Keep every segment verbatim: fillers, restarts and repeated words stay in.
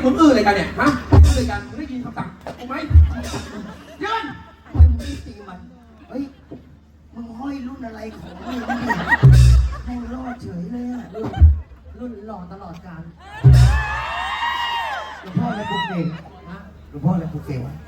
มึงอื้ออะไรกันเนี่ยฮะอื้ออะไรกันมึงได้ยินคำสั่งกูไหมยืนทำไมมึงไม่ตีมันเฮ้ยมึงห้อยรุ่นอะไรของมึงเนี่ยให้รอดเฉยเลยอะรุ่นรุ่นหล่อตลอดกาลหลวงพ่ออะไรปลุกเสกนะหลวงพ่ออะไรปลุกเสกวะ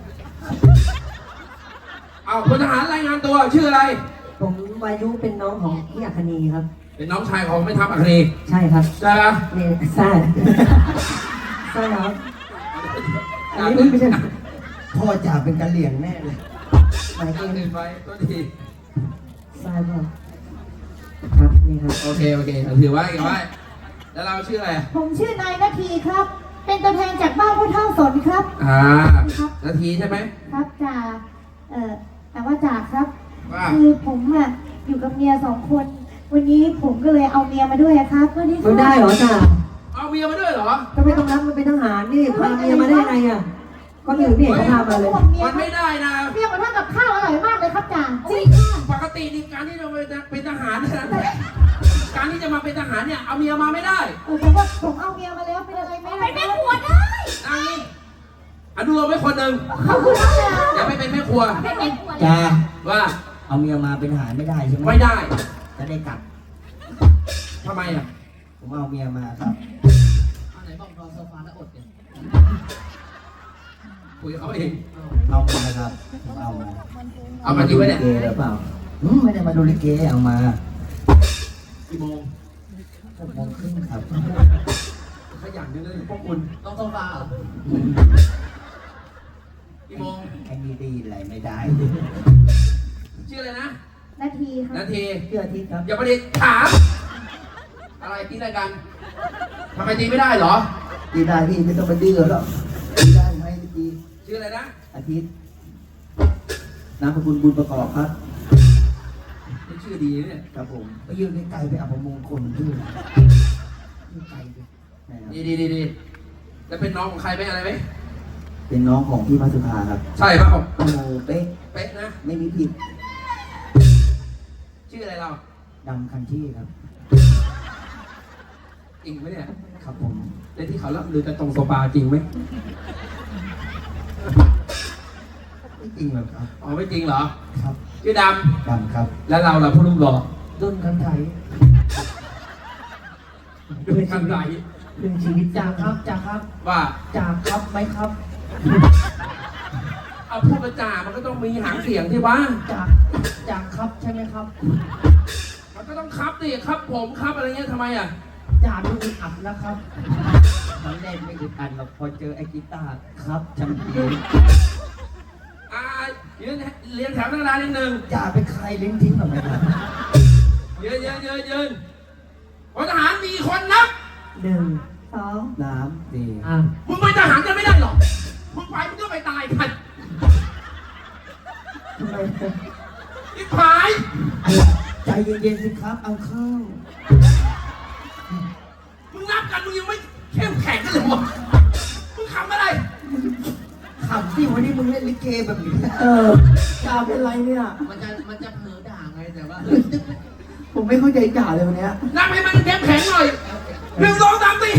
เอาพลทหารรายงานตัวชื่ออะไรผมวายุเป็นน้องของพี่อัคนีครับเป็นน้องชายของแม่ทัพอัคนีใช่ครับใช่ปะเนี่ยใช่ใช่ครับอันนี้ไม่ใช่พ่อจ่าเป็นกะเหลี่ยงแน่เลยหมายเกตั้งณเงินฑ์ไว้ตัวดีใช่ป่ะครับนี่ครับโอเคโอเคถือไว้ถือไว้แล้วเราชื่ออะไรผมชื่อนายนาทีครับ เป็นตัวแทนจากบ้านผู้เฒ่าสนครับอ่านาทีใช่ไหมครับจ่าเอ่อแต่ว่าจ่าครับว่าคือผมอะอยู่กับเมียสองคน วันนี้ผมก็เลยเอาเมียมาด้วยอะครับวันนี้ไม่ได้เหรอจ้าเอาเมียมาด้วยเหรอก็ไม่ต้องรับมันเป็นทหารนี่พาเมียมาได้ไงอ่ะก็อื่นไม่เห็นเขาพามาเลยห่วงเมียมันไม่ได้นะเมียมาทำกับข้าวอร่อยมากเลยครับจ่าจริงปกตินี่การที่จะเป็นทหารเนี่ยนะการที่จะมาเป็นทหารเนี่ยเอาเมียมาไม่ได้เออแต่ว่าผมเอาเมียมาแล้วเป็นอะไรไหมเป็นแม่ครัวได้นางนี้อนุโลมไว้คนหนึ่งขอบคุณครับจ่าอย่าไปเป็นแม่ครัวเป็นแม่ครัวจ่าว่าเอาเมียมาเป็นทหารไม่ได้ใช่ไหมไม่ได้จะได้กลับทำไมอ่ะผมเอาเมียมาครับอันไหนบอกรอโซฟาแล้วอดเนี่ยคุยกับเขาเองเอามาครับผมเอามาเอามาจริงไหมเนี่ยดูลิเกหรือเปล่าอืมไม่ได้มาดูลิเกเอามากี่โมงหกโมงครึ่งครับขยันจังเลยพวกคุณต้องโซฟาเหรอกี่โมงไอ้นี่ได้ยินอะไรไม่ได้ชื่ออะไรนะนาทีครับนาทีเชื่อที่ครับอย่าประเด็นถามอะไรตีอะไรกันทำไมตีไม่ได้เหรอตีได้พี่ไม่ต้องไปดื้อหรอกตีได้ไหมตีชื่ออะไรนะอาทิตย์นามสกุลบุญประกอบครับนี่ชื่อดีนะเนี่ยครับผมไปยืนไกลๆไปอับมงคลดื้อยืนไกลไปนะครับดีดีดีดีแล้วเป็นน้องของใครไหมอะไรไหมเป็นน้องของพี่มาสุภาครับใช่ป่ะผมโอ้โหเป๊ะเป๊ะนะไม่มีผิดชื่ออะไรเราดำคันที่ครับจริงไหมเนี่ยครับผมในที่เขาล่ำลือกันตรงโซฟาจริงไหมไม่จริงหรอกครับอ๋อไม่จริงเหรอครับชื่อดดำครับำแล้วเราล่ะผู้ลุ่มหล่อต้นคันไทยดูกันไหนเป็นชีวิตจ่าครับจ่าครับว่าจ่าครับไหมครับเอาพูดประจามันก็ต้องมีหางเสียงที่ว่าจ่าจ่าครับใช่ไหมครับมันก็ต้องครับดิครับผมครับอะไรเงี้ยทำไมอ่ะจ่าดูอึดอัดนะครับตอนแรกไม่อึดอัดหรอกพอเจอไอ้กีตาร์ครับจังเดียวอ่ายืนเรียงแถวตั้งนานนิดนึงจ่าเป็นใครลิ้นทิ้งหรือไม่ครับยืนยืนยืนยืนพลทหารมีคนนับหนึ่งสองน้ำดีอ่ะมึงเป็นทหารกันไม่ได้หรอกมึงไปมึงก็ไปตายกันทำไมอีผายใจเย็นๆสิครับเอาเข้ามึงนับกันมึงยังไม่เข้มแข็งกันเลยวะมึงขำอะไรขำที่วันนี้มึงเล่นลิเกแบบนี้เออจ่าเป็นไรเนี่ยมันจะมันจะเผลอด่าไงแต่ว่าผมไม่เข้าใจจ่าเลยวันเนี้ยนับให้มันเข้มแข็งหน่อยหนึ่งสองสามสี่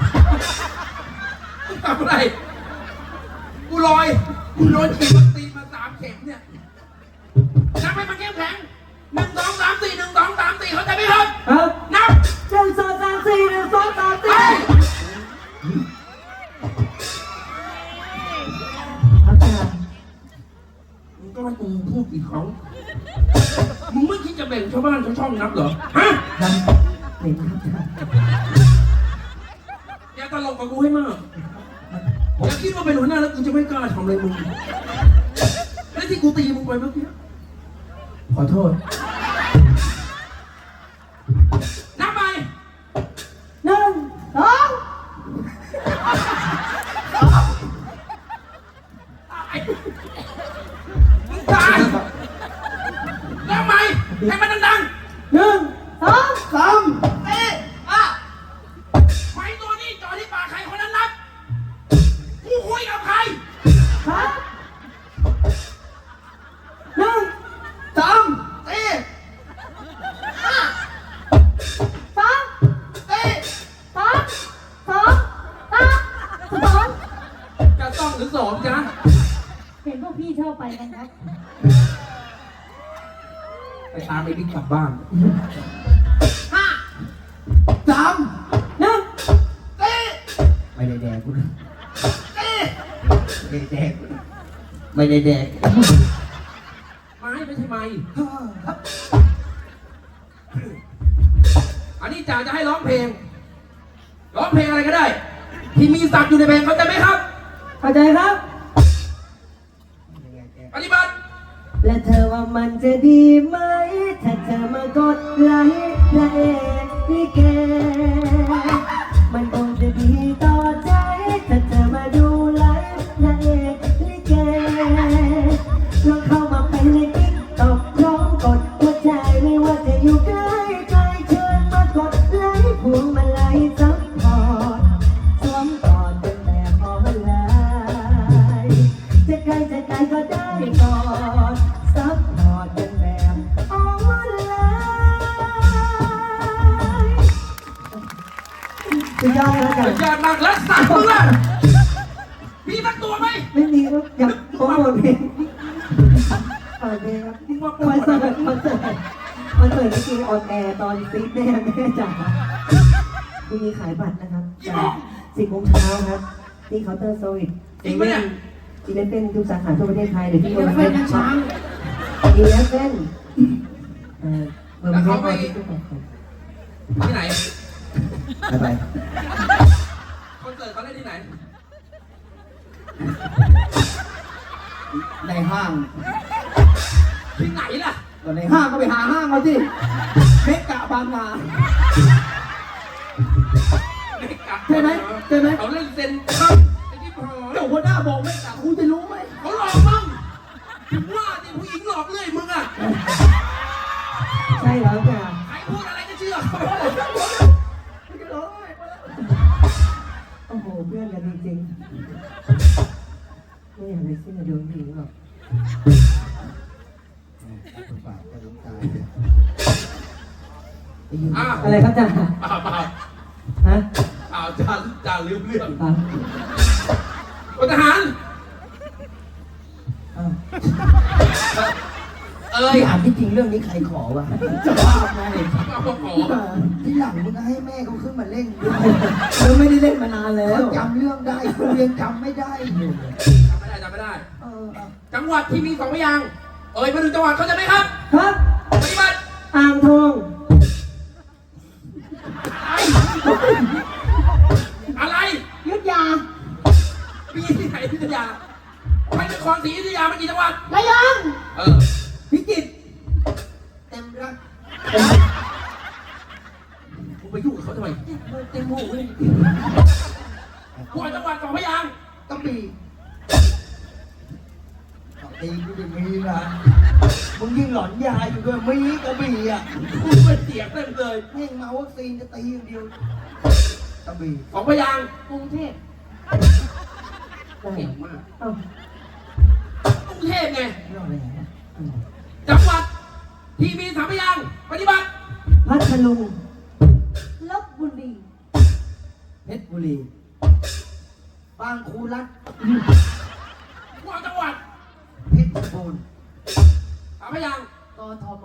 มึงทำอะไรกูลอยกูโดนฉีดวัคซีนมาสามเข็มเนี่ยนับให้มันเข้มแข็งหนึ่งสองสามสี่หนึ่งสองสามสี่เขาใจไหมครับครับนับหนึ่งสองสามสี่หนึ่งสองสามไปสี่ครับจ่ามึงก็ให้กูพูดอีกครั้งมึงไม่คิดจะแบ่งชาวบ้านชาวช่องนับเหรอฮะดำเห็นครับจ่าอย่าตลกกับกูให้มากอย่าคิดว่าเป็นหัวหน้าแล้วกูจะไม่กล้าทำอะไรมึงแล้วที่กูตีมึงไปเมื่อกี้ขอโทษนับไปหนึ่งสองมึงตายนับไปให้มันดังหนึ่งสองสามๆเอ๊ะอ่ะไฟตัวนี้จอที่ปากใครคนนั้นนับกูคุยกับใครครับหนึ่งสามเอ๊ะสองเอ๊ะสองสองสามไปกันครับไปตามไอ้บิ๊กกลับบ้านห้าสามหนึ่งสี่ไม่ได้แดกกูนะสี่ไม่ได้แดกกูนะไม่ได้แดกไม้ไม่ใช่ไม้ห้าครับอันนี้จ่าจะให้ร้องเพลง ร้องเพลงอะไรก็ได้ ที่มีศัพท์อยู่ในเพลงเข้าใจไหมครับเข้าใจครับยังไงแกปฏิบัติและเธอว่ามันจะดีไหม ถ้าเธอมากดไลค์พระเอกลิเกมันคงจะดีต่อใจ ถ้าเธอมาดูไลฟ์พระเอกลิเกลองเข้ามาเป็นในติ๊กต็อกพร้อมกดหัวใจไม่ว่าจะอยู่ใกล้ไกลเชิญมากดไลค์พวงมาลัยซัพพอร์ตสวมกอดเป็นแบบออนไลน์จะไกลจะไกลก็ได้กอดซัพพอร์ตเป็นแบบออนไลน์สุดยอดแล้วกัสุนดยอดมากแล้วสัตว์มึงอะมีสักตัวไหมไม่มีครับอยากโปรโมทเพลงเปิดเพลงครับมึงมาโปรคอนโมทเสิร์ตคอนเสิร์ตคอนเสิร์ตเมื่อกี้ออนแอร์ตอนซีดแม่แม่จ๋าพรุ่งนี้ขายบัตรนะครับสิบโมงเช้าครับที่เคาน์เตอร์โซลิดอีเวนต์อีเวนต์เป็นทุกสาขาทั่วประเทศไทยหรือที่โรงแรมช้างอีเวนต์เป็นเอ่อเบอร์ไม่ได้ที่ทุกคนที่ไหนบ๊ายบายคอนเสิร์ตเขาเล่นที่ไหนในห้างที่ไหนล่ะตอนในห้างก็ไปหาห้างเอาสิเมกะบางนาไม่กลับใช่ไหมใช่ไหมเขาเล่นเซนครับไอ้ที่พอเดี๋ยวหัวหน้าบอกเมกะคุณจะรู้ไหมเขาหลอกมึงถึงว่าที่ผู้หญิงหลอกเรื่อยมึงอะใช่แล้วจ้ะใครพูดอะไรก็เชื่อโอ้โหเพื่อนกันจริงๆไม่อยากไปเสื้อโดนผีหรอกฝากไปลงตายอ้าวอะไรครับจ่าเปล่าเปล่าฮะอ้าวจ่าจ่าลืมเรื่องครับพลทหารอ้าวเอ้ยพี่ถามที่จริงเรื่องนี้ใครขอวะจะบ้าไงเอาขอที่หลังมึงก็ให้แม่เขาขึ้นมาเล่นด้วยเราไม่ได้เล่นมานานแล้วเขาจำเรื่องได้กูยังจำไม่ได้อยู่จำไม่ได้จำไม่ได้เออเอาจังหวัดที่มีสองพยางค์เอ่ยมาถึงจังหวัดเขาใจะไหมครับครับปฏิบัติอ่างทองอะไรยุทธยามีที่ไหนที่อยุธยาไปนครศรีอยุธยามันกี่จังหวัดระยองเออพิจิตรเต็มรักกูไปยุ่งกับเขาทำไมเต็มหูเลยกูเอาจังหวัดสองพยางค์กระบี่กระบี่กูจะมีนะมึงยิ่งหลอนยาอยู่ด้วยมีกระบี่อ่ะกูเป็นเสียงเต็มเลยแม่งมาวัคซีนจะตีอย่างเดียวกระบี่สองพยางค์กรุงเทพได้เก่งมากเอ้ากรุงเทพไงเรื่องอะไรนะจังหวัดที่มีสามพยางค์ปฏิบัติพัทลุงลบบุรีเพชรบุรีบางคูรัฐกูเอาจังหวัดเพชรบูรณ์สามพยางค์กทม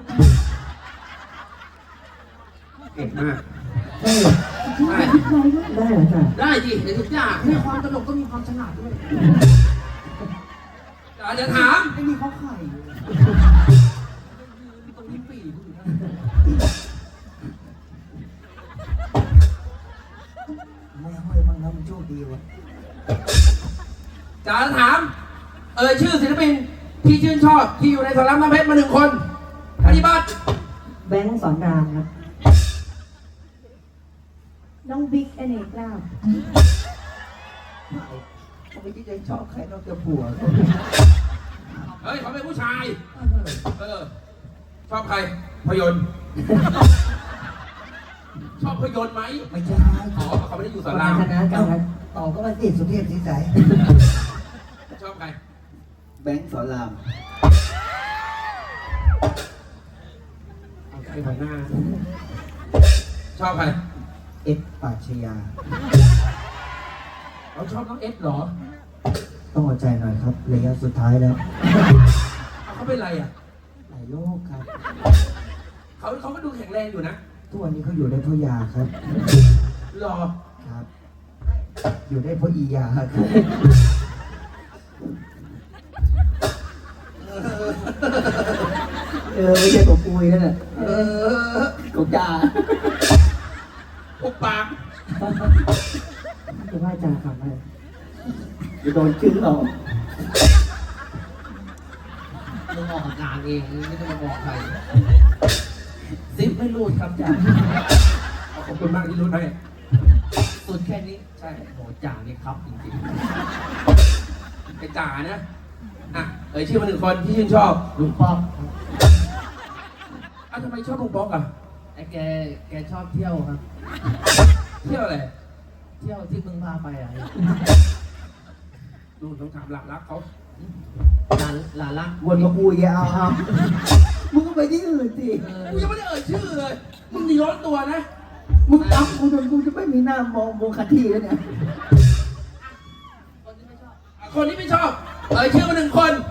เก่งมากใช่ได้ได้เหรอจ่าได้ดิในทุกอย่างมีความตลกก็มีความฉลาดด้วยอาจจะถามไม่มีข้อไข่ตรงนี้ปีกูอยู่นะไม่ห้อยมั่งนะมันโชคดีวะจะถาม เออชื่อศิลปินที่ชื่นชอบที่อยู่ในสารน้ำเพชรมาหนึ่งคนปฏิบัติแบงค์สอนรามครับน้องบิ๊กอเนกลาบเขาไม่คิดจะชอบใครนอกจากผัวเฮ้ยเขาเป็นผู้ชาย เออ ชอบใคร พยนต์ ชอบพยนต์ไหมไม่ใช่อ๋อเขาไม่ได้อยู่สาสารรามคณะกันครับต่อก็มาติดสุเทพสีใสชอบใครแบงค์สอนรามเอาใครหัวหน้า ชอบใครเอ็ดปราชญาเราชอบน้องเอสเหรอปต้องอดใจหน่อยครับระยะสุดท้ายแล้วเอาเขาเป็นไรอ่ะหลายโรคครับเขาเขาก็ดูแข็งแรงอยู่นะทุกวันนี้เขาอยู่ได้เพราะยาครับรอครับ อยู่ได้เพราะอียาครับเออไม่ใช่ตัวปุยนั่นแหละเออตัวจ่าปุกปากจะว่าจ่าขับอะไรจะโดนชื่อเรามึงออกอาการเองไม่ต้องมาบอกใครซิปไม่รูดครับจ่าขอบคุณมากที่รูดให้สุดแค่นี้ ใช่โหจ่านี่ครับจริงๆไอ้จ่านะอ่ะเอ่ยชื่อมาหนึ่งคนที่ชื่นชอบลุงป๊อกอ่ะทำไมชอบลุงป๊อกอ่ะไอ้แกแกชอบเที่ยวครับเที่ยวอะไรเที่ยวที่มึงพาไปอ่ะดูต้องถามหลักรักเขาหลานหลานรักวนมาคุยเอาเอามึงก็ไปที่อื่นสิกูยังไม่ได้เอ่ยชื่อเลยมึงนี่ร้อนตัวนะมึงตับกูจนกูจะไม่มีหน้ามองโมคาทีแล้วเนี่ยคนที่ไม่ชอบเอ่ยชื่อมาหนึ่งคน